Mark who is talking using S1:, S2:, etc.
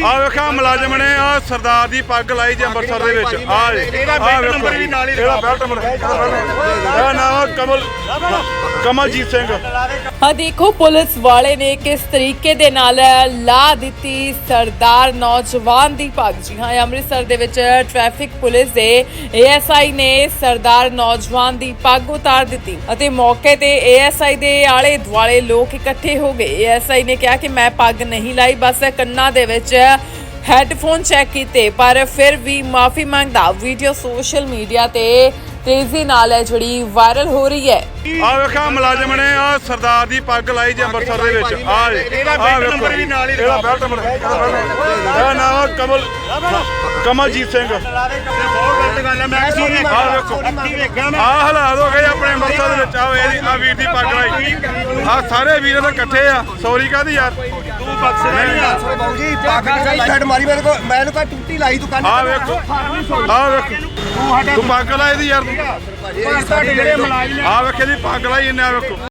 S1: ਆ ਵੇਖਾ ਮੁਲਾਜ਼ਮ ਨੇ ਆ ਸਰਦਾਰ ਦੀ ਪੱਗ ਲਾਈ ਜੇ ਅੰਮ੍ਰਿਤਸਰ ਦੇ ਵਿੱਚ ਆ ਇਹਦਾ ਬੈਲਟ ਨੰਬਰ ਵੀ ਨਾਲ ਹੀ ਇਹਦਾ ਬੈਲਟ ਨੰਬਰ ਇਹਦਾ ਨਾਮ ਕਮਲਜੀਤ ਸਿੰਘ।
S2: ਹਾਂ ਦੇਖੋ ਪੁਲਿਸ ਵਾਲੇ ਨੇ ਕਿਸ ਤਰੀਕੇ ਦੇ ਨਾਲ ਲਾ ਦਿੱਤੀ ਸਰਦਾਰ ਨੌਜਵਾਨ ਦੀ ਪੱਗ। ਜੀ ਹਾਂ, ਅੰਮ੍ਰਿਤਸਰ ਦੇ ਵਿੱਚ ਟ੍ਰੈਫਿਕ ਪੁਲਿਸ ਦੇ ਏਐਸਆਈ ਨੇ ਸਰਦਾਰ ਨੌਜਵਾਨ ਦੀ ਪੱਗ ਉਤਾਰ ਦਿੱਤੀ ਅਤੇ ਮੌਕੇ ਤੇ ਏਐਸਆਈ ਦੇ ਆਲੇ ਦੁਆਲੇ ਲੋਕ ਇਕੱਠੇ ਹੋ ਗਏ। ਏਐਸਆਈ ਨੇ ਕਿਹਾ ਕਿ ਮੈਂ ਪੱਗ ਨਹੀਂ ਲਾਈ, ਬਸ ਕੰਨਾਂ ਦੇ ਵਿੱਚ ਹੈਡਫੋਨ ਚੈੱਕ ਕੀਤੇ, ਪਰ ਫਿਰ ਵੀ ਮਾਫੀ ਮੰਗਦਾ ਵੀਡੀਓ ਸੋਸ਼ਲ ਮੀਡੀਆ ਤੇ ਤੇਜ਼ੀ ਨਾਲ ਹੈ ਜਿਹੜੀ ਵਾਇਰਲ ਹੋ ਰਹੀ ਹੈ।
S1: ਆ ਵੇਖਾ ਮੁਲਾਜ਼ਮ ਨੇ ਆ ਸਰਦਾਰ ਦੀ ਪੱਗ ਲਾਈ ਜੇ ਅੰਮ੍ਰਿਤਸਰ ਦੇ ਵਿੱਚ ਆ ਇਹਦਾ ਬੈਲਟ ਨੰਬਰ ਵੀ ਨਾਲ ਹੀ ਇਹਦਾ ਬੈਲਟ ਨੰਬਰ ਇਹਦਾ ਨਾਮ ਕਮਲਜੀਤ ਸਿੰਘ। ਬਹੁਤ ਗਲਤ ਗੱਲ ਹੈ। ਮੈਂ ਆ ਵੇਖੋ ਆ ਹਾਲਾਤ ਹੋ ਗਏ ਆਪਣੇ ਅੰਮ੍ਰਿਤਸਰ ਦੇ ਵਿੱਚ। ਆ ਵੀਰ ਦੀ ਪੱਗ ਲਾਈ ਆ ਸਾਰੇ ਵੀਰ ਤਾਂ ਇਕੱਠੇ ਆ। ਸੌਰੀ ਕਾਹਦੀ ਯਾਰ ਤੂੰ ਬਖਸ਼ ਨਹੀਂ ਯਾਰ ਬਾਬੂ ਜੀ ਪੱਗ ਸਾਈਡ ਮਾਰੀ ਮੇਰੇ ਕੋ ਮੈਨੂੰ ਕਾ ਟੁੱਟੀ ਲਾਈ ਤੂੰ ਕੰਨ ਆ ਵੇਖੋ ਤੂੰ ਪੱਗ ਲਾਈ ਦੀ ਯਾਰ ਆ ਵੇਖੇ ਦੀ ਪੱਗ ਲਾਈ ਇਹਨੇ ਆ ਵੇਖੋ।